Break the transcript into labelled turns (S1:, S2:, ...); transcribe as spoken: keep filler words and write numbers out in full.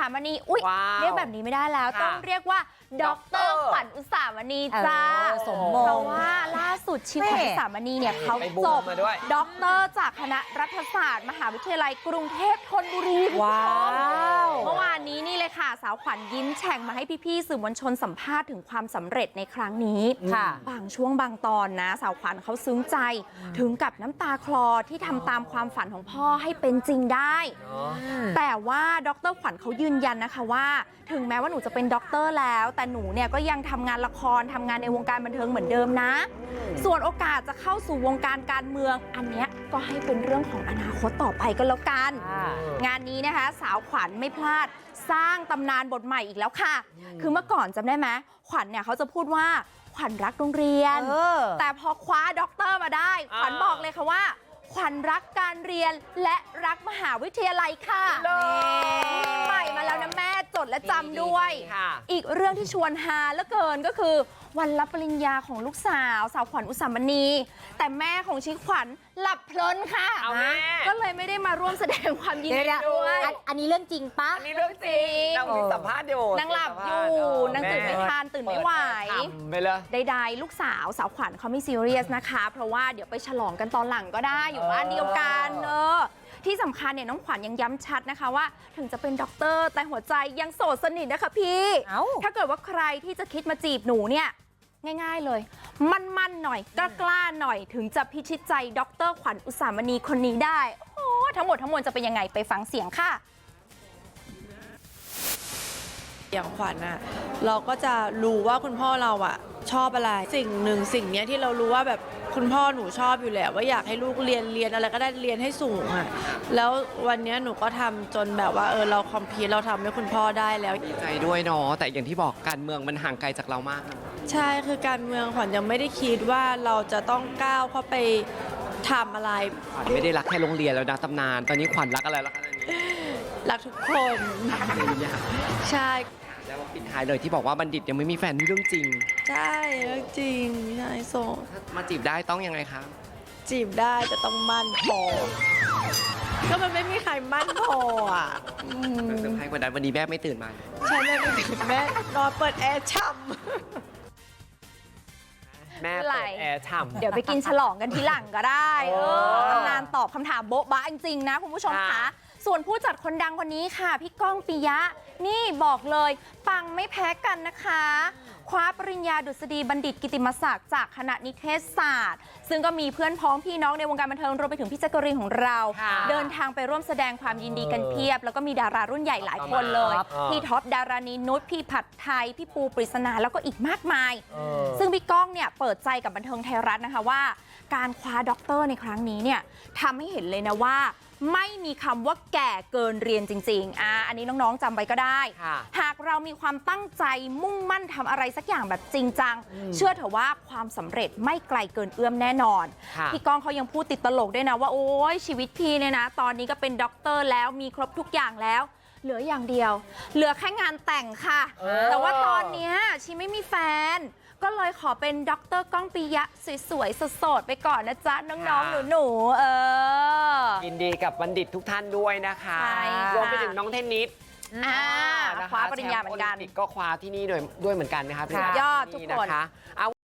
S1: ามณีอุ๊ยเรียกแบบนี้ไม่ได้แล้วต้องเรียกว่าดร.ขวัญอุสามณีจ้า
S2: สมมง
S1: เพราะว่าล่าสุดชีขวัญอุสามณีเนี่ยเขาจบด็อกเตอร์จากคณะรัฐศาสตร์มหาวิทยาลัยกรุงเทพธนบุรีว้าวเมื่อวานนี้นี่เลยค่ะสาวขวัญยิ้มแฉ่งมาให้พี่ๆสื่อมวลชนสัมภาษณ์ถึงความสำเร็จในครั้งนี้ค่ะบางช่วงบางตอนนะสาวขวัญเขาซึ้งใจถึงกับน้ำตาคลอที่ทำตามความฝันของพ่อให้เป็นจริงได้แต่ว่าดร.ขวัญเขายืนยันนะคะว่าถึงแม้ว่าหนูจะเป็นด็อกเตอร์แล้วแต่หนูเนี่ยก็ยังทำงานละครทำงานในวงการบันเทิงเหมือนเดิมนะส่วนโอกาสจะเข้าสู่วงการการเมืองอันเนี้ยก็ให้เป็นเรื่องของอนาคตต่อไปก็แล้วกันงานนี้นะคะสาวขวัญไม่พลาดสร้างตำนานบทใหม่อีกแล้วค่ะคือเมื่อก่อนจำได้ไหมขวัญเนี่ยเขาจะพูดว่าขวัญรักโรงเรียนแต่พอคว้าด็อกเตอร์มาได้ขวัญบอกเลยค่ะว่าขวัญรักการเรียนและรักมหาวิทยาลัยค่ะมีใหม่มาแล้วนะแม่จดและจำด้วยอีกเรื่องที่ชวนฮาเหลือเกินก็คือวันรับปริญญาของลูกสาวสาวขวัญอุสามณีแต่แม่ของชิขวัญหลับเพลินค่ะก็เลยไม่ได้มาร่วมแสดงความยินดีด้วย
S2: อันนี้เรื่องจริงปะ
S1: อันนี้เรื่องจริง
S3: นางมีสัมภาษณ์อยู่
S1: นางหลับอยู่นางตื่นไม่ทันตื่นไม่ไหว
S3: ไปเลย
S1: ใดๆลูกสาวสาวขวัญเขาไม่ซีเรียสนะคะเพราะว่าเดี๋ยวไปฉลองกันตอนหลังก็ได้อยู่บ้านเดียวกันเออที่สำคัญเนี่ยน้องขวัญยังย้ำชัดนะคะว่าถึงจะเป็นด็อกเตอร์แต่หัวใจยังโสดสนิทนะคะพี่ถ้าเกิดว่าใครที่จะคิดมาจีบหนูเนี่ยง่ายๆเลยมั่นๆหน่อยกล้าๆหน่อยถึงจะพิชิตใจด็อกเตอร์ขวัญอุสามณีคนนี้ได้โอ้ทั้งหมดทั้งมวลจะเป็นยังไงไปฟังเสียงค่ะ
S4: อย่างขวัญอะเราก็จะรู้ว่าคุณพ่อเราอะชอบอะไรสิ่งหนึ่งสิ่งเนี้ยที่เรารู้ว่าแบบคุณพ่อหนูชอบอยู่แล้วว่าอยากให้ลูกเรียนเรียนอะไรก็ได้เรียนให้สูงอะแล้ววันนี้หนูก็ทำจนแบบว่าเออเราคอมพีทเราทำให้คุณพ่อได้แล้ว
S3: ดีใจด้วยเนาะแต่อย่างที่บอกการเมืองมันห่างไกลจากเรามาก
S4: ใช่คือการเมืองขวัญยังไม่ได้คิดว่าเราจะต้องก้าวเข้าไปทำอะไร
S3: ขวัญไม่ได้รักแค่โรงเรียนแล้วนะตำนานตอนนี้ขวัญรักอะไรแล้วคะ
S4: รักทุกคนใช่
S3: แล้วปิดท้ายเลยที่บอกว่าบัณฑิตยังไม่มีแฟนนี่เรื่องจริง
S4: ใช่เรื่องจริงใช่โซ
S3: มาจีบได้ต้องยังไงคะ
S4: จีบได้แต่ต้องมั่นพอก็มันไม่มีใครมั่นพออ่ะ
S3: เซอร์ไพรส์กว่านั้นวันนี้แม่ไม่ตื่นมา
S4: ใช่แม่ไม่ตื่นแม่นอนเปิดแอร์ช่ำ
S3: แม่เปิดแอร์ฉ่ำ
S1: เดี๋ยวไปกินฉลองกันทีหลังก็ได้เออตำนานตอบคำถามโบ๊ะบ้าจริงๆนะคุณผู้ชมคะส่วนผู้จัดคนดังคนนี้ค่ะพี่ก้องปิยะนี่บอกเลยปังไม่แพ้กันนะคะคว้าปริญญาดุษฎีบัณฑิตกิตติมศักดิ์จากคณะนิเทศศาสตร์ซึ่งก็มีเพื่อนพ้องพี่น้องในวงการบันเทิงรวมไปถึงพี่แจ๊กกะรีนของเราเดินทางไปร่วมแสดงความยินดีกันเพียบแล้วก็มีดารารุ่นใหญ่หลายคนเลยพี่ท็อปดารานีนุชพี่ผัดไทยพี่ปูปริศนาแล้วก็อีกมากมายซึ่งพี่ก้องเนี่ยเปิดใจกับบันเทิงไทยรัฐนะคะว่าการคว้าด็อกเตอร์ในครั้งนี้เนี่ยทำให้เห็นเลยนะว่าไม่มีคำว่าแก่เกินเรียนจริงๆอ่าอันนี้น้องๆจำไว้ก็ได้หากเรามีความตั้งใจมุ่งมั่นทำอะไรสักอย่างแบบจริงจังเชื่อเถอะว่าความสำเร็จไม่ไกลเกินเอื้อมแน่นอนพี่ก้องเขายังพูดติดตลกด้วยนะว่าโอ้ยชีวิตพี่เนี่ยนะตอนนี้ก็เป็นด็อกเตอร์แล้วมีครบทุกอย่างแล้วเหลืออย่างเดียวเหลือแค่งานแต่งค่ะแต่ว่าตอนนี้ชีไม่มีแฟนก็เลยขอเป็นด็อกเตอร์ก้องปิยะสวยๆสดๆไปก่อนนะจ๊ะน้องๆหนูๆเออ
S3: ยินดีกับบัณฑิตทุกท่านด้วยนะคะรวมไปถึงน้องเทนนิส
S1: คว้าปริญญาเหมือนกัน
S3: ก็คว้าที่นี่ด้วยเหมือนกันนะคะ
S1: ยอดทุกคน